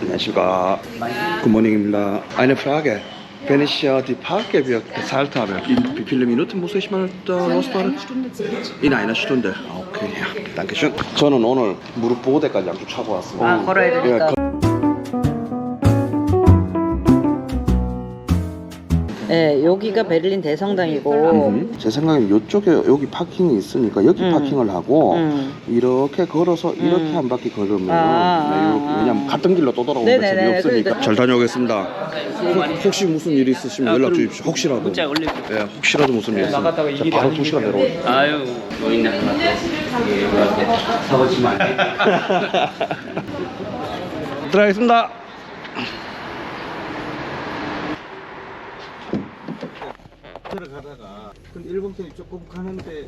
안녕하십니까. 굿모닝입니다. Eine Frage. Wenn ich die Parkgebühr gezahlt habe, wie viele Minuten muss ich mal da losfahren? In einer Stunde. Okay, ja, danke schön. 저는 오늘 무릎 보호대까지 양쪽 차고 왔습니다. 아, 걸어야 되니까. 네, 여기가 베를린 대성당이고. 제 생각엔 이쪽에 여기 파킹이 있으니까 여기 파킹을 하고 이렇게 걸어서 이렇게 한 바퀴 걸으면 왜냐면 갔던 길로 또 돌아오는 게 재미없으니까. 그러니까. 잘 다녀오겠습니다. 혹시 무슨 일 있으시면 연락 주십시오. 혹시라도. 문자 올릴게요. 네, 혹시라도 무슨 일 있으면 나갔다가 이 길이 바로 아니니까. 2시간 내려오죠. 아유, 노인 나가서 사고치 말게. 들어가겠습니다. 들어가다가 근데 일본 편이 조금 가는데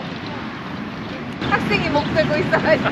학생이 목 들고 있어가지고.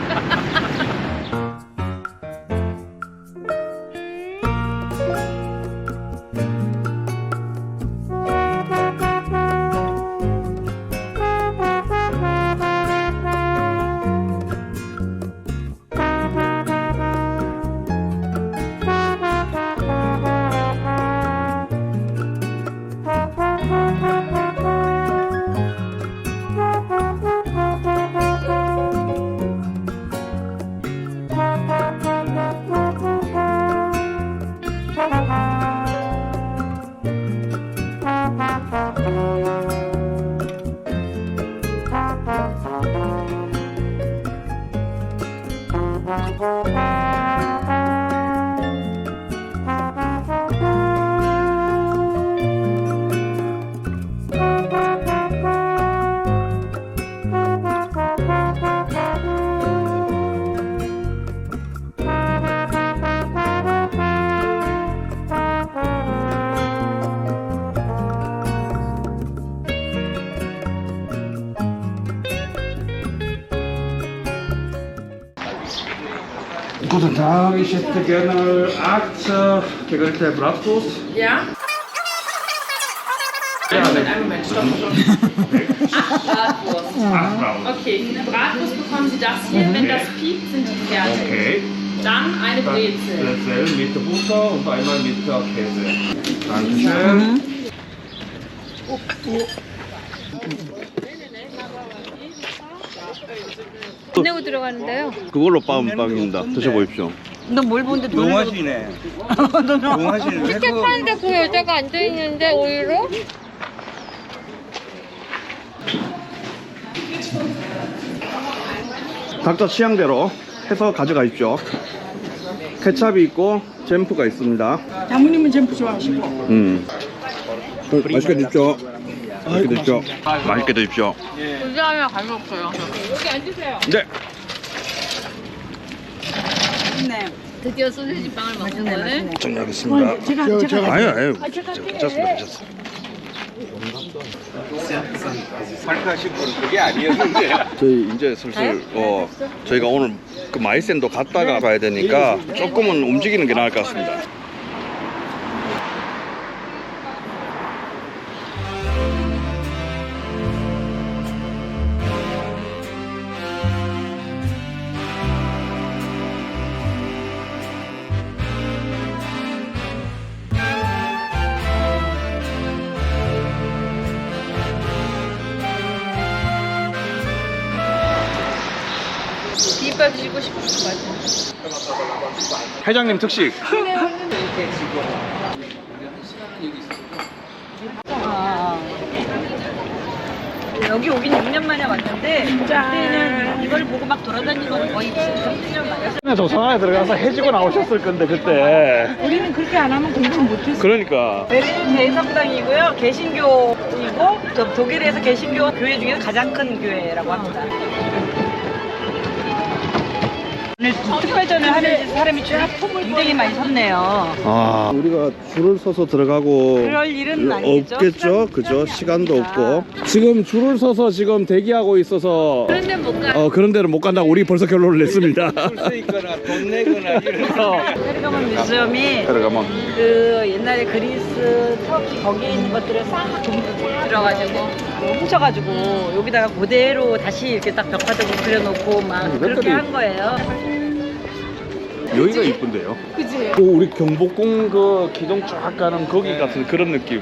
Guten Tag, ich hätte gerne 8 gegrillte Bratwurst. Ja? Einen Moment, stopp. 8 Bratwurst. Okay, eine Bratwurst bekommen Sie das hier. Wenn das piept, sind die fertig. Okay. Dann eine Brezel. Brezel mit Butter und einmal mit Käse. Dankeschön. 돈 내고 들어가는데요. 그걸로 빵입니다. 드셔보십시오. 너 뭘 보는데 돈 내고. 용하시네. 용하시네. 티켓 파는데 그 여자가 앉아있는데 오히려 각자 취향대로 해서 가져가십시오. 케찹이 있고 잼프가 있습니다. 장모님은 잼프 좋아하시고. 맛있게 드십시오. 맛있게 드십시오. 맛있게 드십시오. 그게 하나 가져왔어요. 여기 앉으세요. 네. 네. 드디어 소세지 빵을 먹는 거네. 정리하겠습니다. 제가 아유. 괜찮습니다. 발표하신 분 그게 아니었는데. 저희 이제 슬슬 저희가 오늘 그 마이센도 갔다가 가야 되니까 조금은 움직이는 게 나을 것 같습니다. 비빔밥 드시고 싶을 것 같아요. 회장님 특식. 여기 오긴 6년 만에 왔는데 그때는 이걸 보고 막 돌아다니는 건 거의 1년 만에. 조선안에 들어가서 해지고 나오셨을 건데 그때. 우리는 그렇게 안 하면 공부를 못했어. 그러니까. 베를린 대성당이고요. 개신교이고 독일에서 개신교 교회 중에서 가장 큰 교회라고 합니다. 오늘 특별전을 하는 사람이 굉장히 많이 섰네요. 아, 우리가 줄을 서서 들어가고 그럴 일은 아니겠죠? 없겠죠? 그죠? 시간도 없고. 지금 줄을 서서 지금 대기하고 있어서 그런데 못 가. 그런 데는 못 간다고 우리 벌써 결론을 냈습니다. 줄 서 있거나 돈 내거나 이런. 페르가몬 뮤지엄이 들어가면 그 옛날에 그리스, 터키 거기에 있는 것들을 싹 들어가지고 훔쳐가지고 여기다가 그대로 다시 이렇게 딱 벽화도 그려놓고 막 그렇게 한 거예요. 여기가 이쁜데요. 그지? 오, 우리 경복궁 그 기둥 쫙 가는 거기 같은 그런 느낌.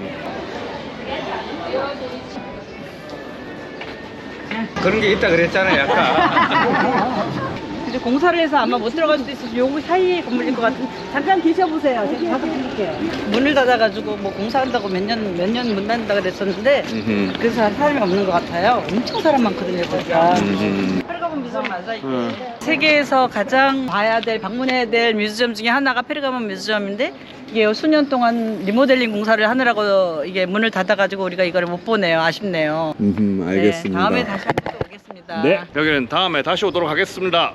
그런 게 있다 그랬잖아요, 아까. 이제 공사를 해서 아마 못 들어갈 수도 있어서 요거 사이에 건물일 것 같은. 잠깐 계셔보세요. 제가 가서 드릴게요. 문을 닫아가지고 뭐 공사한다고 몇 년 문 닫는다 그랬었는데 그래서 사람이 없는 것 같아요. 엄청 사람 많거든요, 거기가. 페르가몬 뮤지엄 맞아 이게. 세계에서 가장 봐야 될 방문해야 될 뮤지엄 중에 하나가 페르가몬 뮤지엄인데 이게 수년 동안 리모델링 공사를 하느라고 이게 문을 닫아가지고 우리가 이걸 못 보네요. 아쉽네요. 알겠습니다. 네, 다음에 다시 한번 또 오겠습니다. 네, 여기는 다음에 다시 오도록 하겠습니다.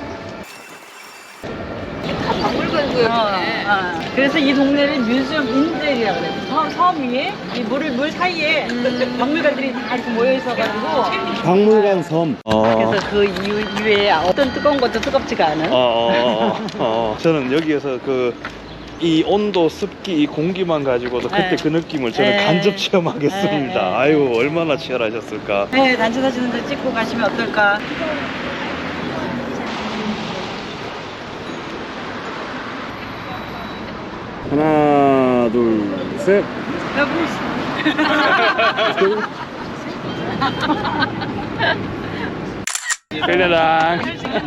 그래서 이 동네를 뮤지엄 인젤이라고 그래요. 섬 위에 이 물 사이에 박물관들이 다 이렇게 모여 있어가지고 박물관 섬. 그래서 그 이외에 어떤 뜨거운 것도 뜨겁지가 않은. 저는 여기에서 이 온도, 습기, 이 공기만 가지고도 그때 네. 그 느낌을 저는 네. 간접 체험하겠습니다. 네. 아유, 얼마나 치열하셨을까. 네, 단체 사진도 찍고 가시면 어떨까. 하나, 둘, 셋. 벨레랑.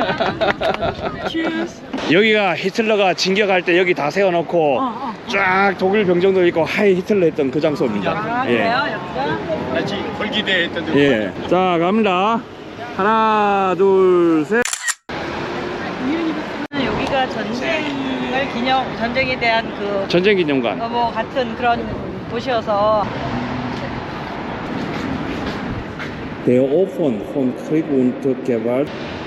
여기가 히틀러가 진격할 때 여기 다 세워놓고 쫙 독일 병정도 있고 하이 히틀러 했던 그 장소입니다. 아, 그래요? 여기가? 같이 홀기대 했던 데. 예. 자, 갑니다. 하나, 둘, 셋. 여기가 전쟁에 대한 그 전쟁 기념관. 뭐 같은 그런 곳이어서. Der Ofen von Krieg und Gewalt.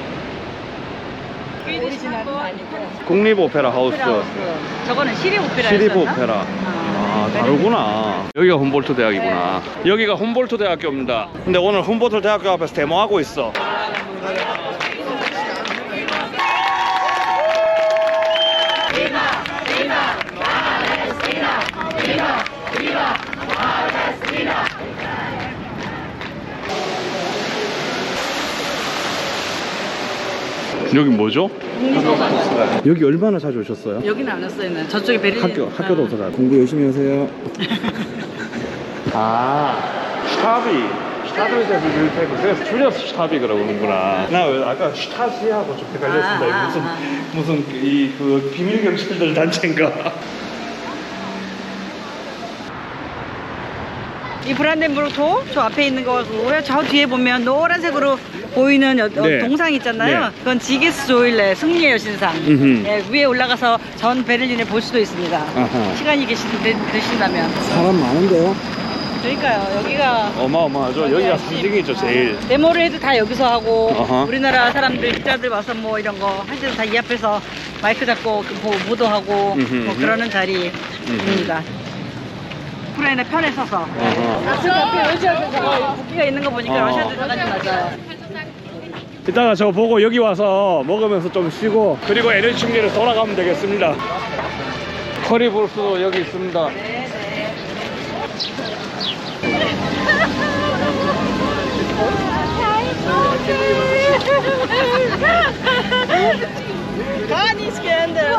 오리지널은 아니고. 국립오페라 하우스. 저거는 시립 오페라. 시립 오페라. 아, 다르구나. 여기가 훔볼트 대학이구나. 여기가 훔볼트 대학교입니다. 근데 오늘 훔볼트 대학교 앞에서 데모하고 있어. 여기 뭐죠? 여기 얼마나 자주 오셨어요? 여기는 안 왔어요. 저쪽에 베를린. 학교도 없어요. 공부 열심히 하세요. 슈타비에서 비밀테크. 그래서 줄여서 슈타비 그러는구나. 나 아까 슈타시하고 좀 헷갈렸습니다. 무슨 그 비밀 경찰들 단체인가? 이 브란덴부르크 저 앞에 있는 거고요. 저 뒤에 보면 노란색으로 보이는 네. 동상 있잖아요. 네. 그건 지게스 조일레 승리의 여신상. 예, 위에 올라가서 전 베를린을 볼 수도 있습니다. 아하. 시간이 되신다면. 사람 많은데요? 그러니까요. 여기가 어마어마하죠. 여기가 상징이죠, 제일. 데모를 해도 다 여기서 하고 어허. 우리나라 사람들 기자들 와서 뭐 이런 거 할 때도 다 이 앞에서 마이크 잡고 보도하고 뭐 그러는 자리입니다. 우크라이나 편에 서서. 그 앞에 러시아 대사가 국기가 있는 거 보니까 러시아 대사관이 맞아요. 이따가 저 보고 여기 와서 먹으면서 좀 쉬고 그리고 에너지 충전을 돌아가면 되겠습니다. 커리브루스도 여기 있습니다. Gar nicht geändert.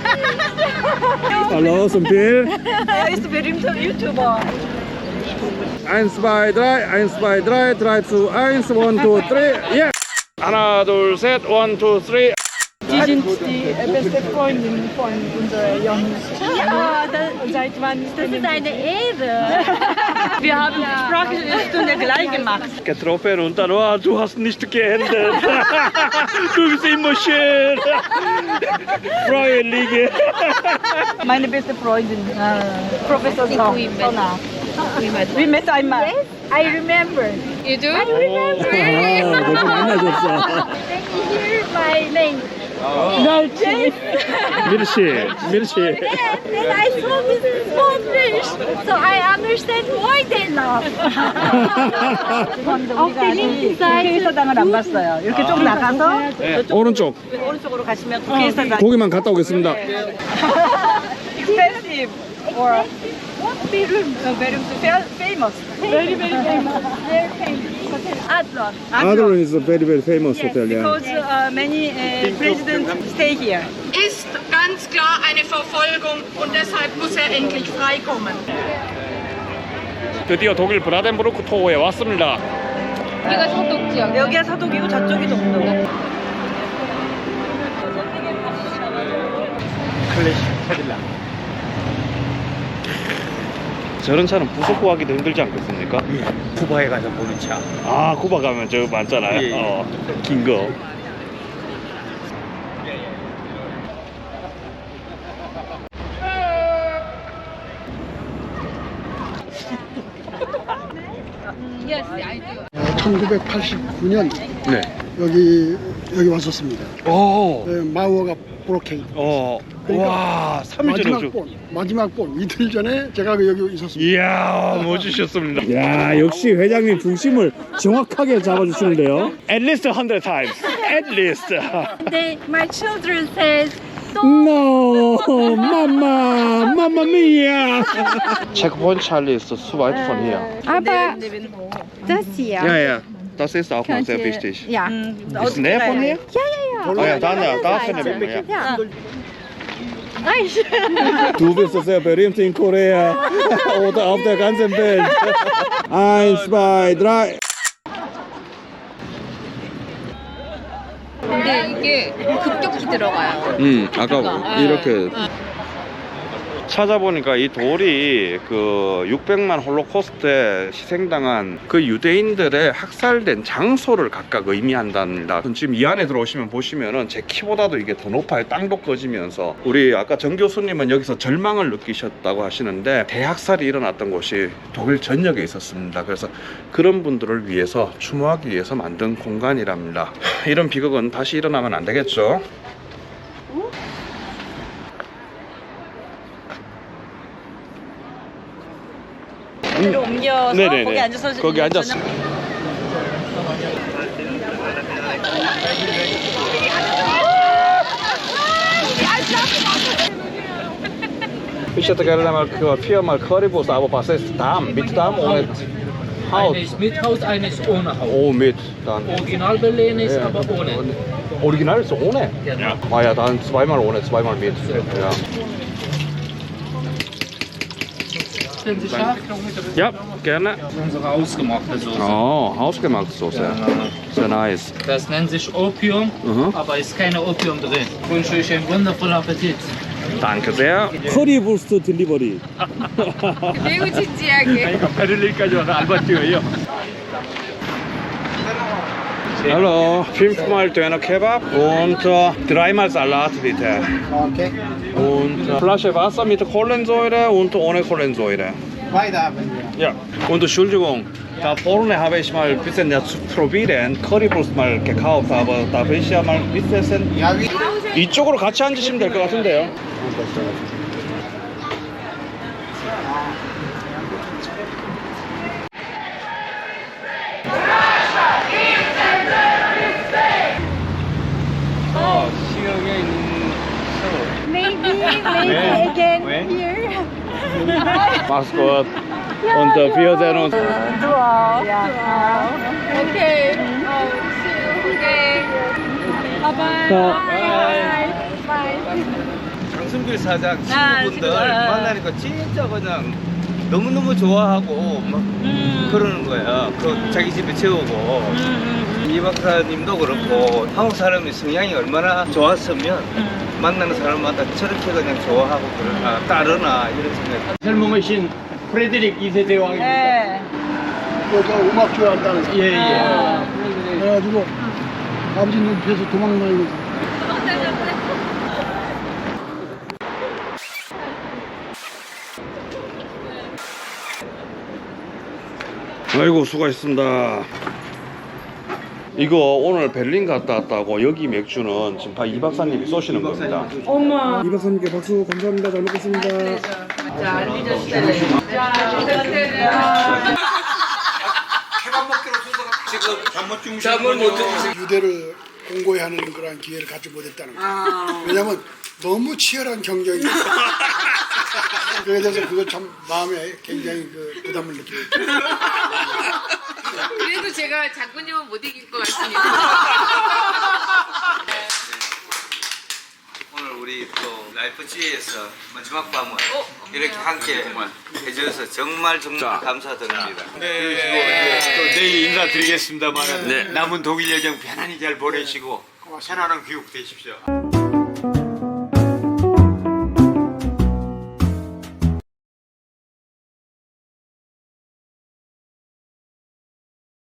Hallo, zum Bild. Er ist ein berühmter YouTuber. 1, 2, 3, 1, 2, 3, 3 zu 1, 1, 2, 3, yeah! 하나, 둘, 셋, 1, 2, 3. Die sind die beste Freundin von unserer Jonas. Ja, Und seit wann ist das ist eine Ehre. Wir haben die Sprachstunde gleich gemacht. Getroffen und dann, oh, du hast nicht geändert. Du bist immer schön. Freundliche. Meine beste Freundin, Professor Sona. We met einmal. Yes, I remember. You do? 너무 만나셨어. Can you hear my name? 미르씨. Yes, and I saw this small fish, so I understand why they laugh. 우리가 아직 국회의사당을 안 봤어요. 이렇게 좀 나가서 오른쪽. 오른쪽으로 가시면 국회의사당. 고기만 갔다 오겠습니다. Expensive or what bedroom? No, bedroom famous. Very, very famous. Very famous. Adlon. Adlon is a very very famous Yes, hotel. Yeah. because many presidents stay here. Ist ganz klar eine Verfolgung und deshalb muss er endlich freikommen. 드디어 독일 브라덴부르크 토호에 왔습니다. 여기가 서독 지역. 여기가 서독이고 저쪽이 동독. 클래식 캐딜락. 저런 차는 부속 구하기도 힘들지 않겠습니까? 쿠바에 가서 보는 차. 아, 쿠바 가면 저 많잖아요. 예. 긴 거. Yes, I do. 1989년 네. 여기 왔었습니다. 오. 마우어가 브로케인. 와, 3일 전에 마지막 본 이틀 전에 제가 여기 있었습니다. 이야, 멋지셨습니다. 야, 역시 회장님 중심을 정확하게 잡아주시는데요. At least 100 times. At least. My children says, No, Mama, Mamma Mia. Checkpoint Charlie ist zu weit von hier. aber das hier. Ja, ja. Das ist auch noch sehr wichtig. Ja. Ist näher von hier? Ja. Oh ja, dann ja, da finden wir ja. Ja. Nein. Du bist sehr berühmt in Korea oder auf der ganzen Welt. 1, 2, 3. 근데 이게 급격히 들어가요. 아까 이렇게 찾아보니까 이 돌이 그 600만 홀로코스트에 희생당한 그 유대인들의 학살된 장소를 각각 의미한답니다. 지금 이 안에 들어오시면 보시면은 제 키보다도 이게 더 높아요. 땅도 꺼지면서. 우리 아까 정 교수님은 여기서 절망을 느끼셨다고 하시는데 대학살이 일어났던 곳이 독일 전역에 있었습니다. 그래서 그런 분들을 위해서 추모하기 위해서 만든 공간이랍니다. 이런 비극은 다시 일어나면 안 되겠죠. 로 옮겨서 네네네. 거기 앉아서 거기 앉았어. Ich hätte gerne mal viermal Currywurst, aber was ist Darm? Mit Darm ohne Haut? Eine ist mit Haut, eine ist ohne Haut. Oh, mit dann. Original Berlin ist aber ohne. Original ist ohne? Ja. Ah ja, dann zweimal ohne, zweimal mit. Ja. Sind Sie scharf? Ja, gerne. Unsere ausgemachte Soße. Oh, hausgemachte Soße. Sehr nice. Das nennt sich Opium, aber ist keine Opium drin. Ich wünsche euch einen wundervollen Appetit. Danke sehr. 커리부스트 딜리버리. 매우 진지하게. 베를린까지 와서 알바 뛰어요. Hallo, 5-mal Döner Kebab und 3-mal Salat bitte. Okay. Und Flasche Wasser mit Kohlensäure und ohne Kohlensäure. Beide haben wir. Ja. Und Entschuldigung, da vorne habe ich mal ein bisschen zu probieren, Currywurst mal gekauft, aber darf ich ja mal mitessen? Ja, wie? 이쪽으로 같이 앉으시면 될 것 같은데요. Maybe again here. Mach's gut. Und wir sehen uns. Okay. Okay. Bye. Bye. 강승길 사장 친구분들 만나니까 진짜 그냥 너무너무 좋아하고 막 그러는 거야. 그 자기 집에 채우고. 이 박사님도 그렇고 한국 사람의 성향이 얼마나 좋았으면 만나는 사람마다 저렇게 그냥 좋아하고 그러나 따르나 이런 생각. 젊으신 프레드릭 2세대 왕입니다. 네. 저 음악 좋아한다는 사람. 예. 그래가지고 아버지 눈피해서 도망다니고. 아이고 수고하셨습니다. 이거 오늘 베를린 갔다 왔다고 여기 맥주는 지금 다 이 박사님이 쏘시는 겁니다. 이 박사님께 박수 감사합니다. 잘 먹겠습니다. 유대를 공고히 하는 그런 기회를 갖지 못했다는 거예요. 왜냐면 너무 치열한 경쟁이 그에 대해서 그걸 참 마음에 굉장히 그 부담을 느끼고 있어요. 그래도 제가 장군님은 못 이길 것 같으니까. 오늘 우리 또 라이프지에서 마지막 밤을 이렇게 함께 해주셔서 정말 감사드립니다. 네, 또 내일 인사드리겠습니다만 남은 독일 여정 편안히 잘 보내시고 편안한 귀국 되십시오.